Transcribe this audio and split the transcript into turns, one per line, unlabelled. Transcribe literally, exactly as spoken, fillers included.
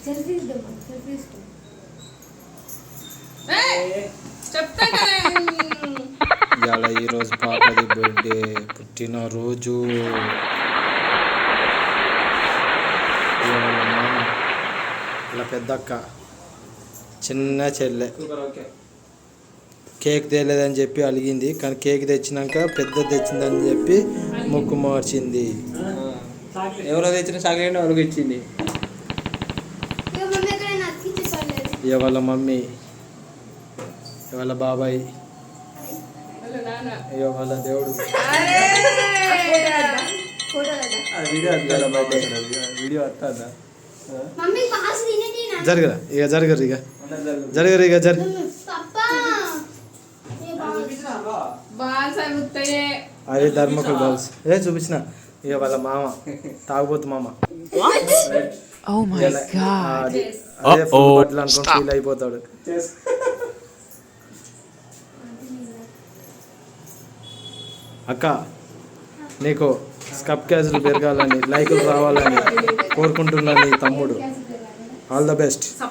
ఇవాళ ఈరోజు పాపది బర్త్డే, పుట్టినరోజు. ఇలా పెద్దక్క, చిన్న చెల్లె కేక్ తేలేదని చెప్పి అలిగింది, కానీ కేక్ తెచ్చినాక పెద్ద తెచ్చిందని చెప్పి ముక్కు మార్చింది.
ఎవరో తెచ్చిన చాక్లెట్ ఎవరికి ఇచ్చింది.
ఇవాళ మమ్మీ, ఇవాళ బాబాయ్, ఇవాళ దేవుడు.
వీడియో వస్తుందా?
జరగరా ఇక జరగరు ఇక జరగరు ఇక జరి అదే ధర్మకులు బాల్స్ ఏ చూపించిన. ఇక వాళ్ళ మామ తాగుబోతు మామ అదే బట్టలు అనుకుని ఫీల్ అయిపోతాడు. అక్క నీకు స్కప్ క్యాజులు పెరగాలని, లైకులు రావాలని కోరుకుంటున్నాను నీ తమ్ముడు. All the best.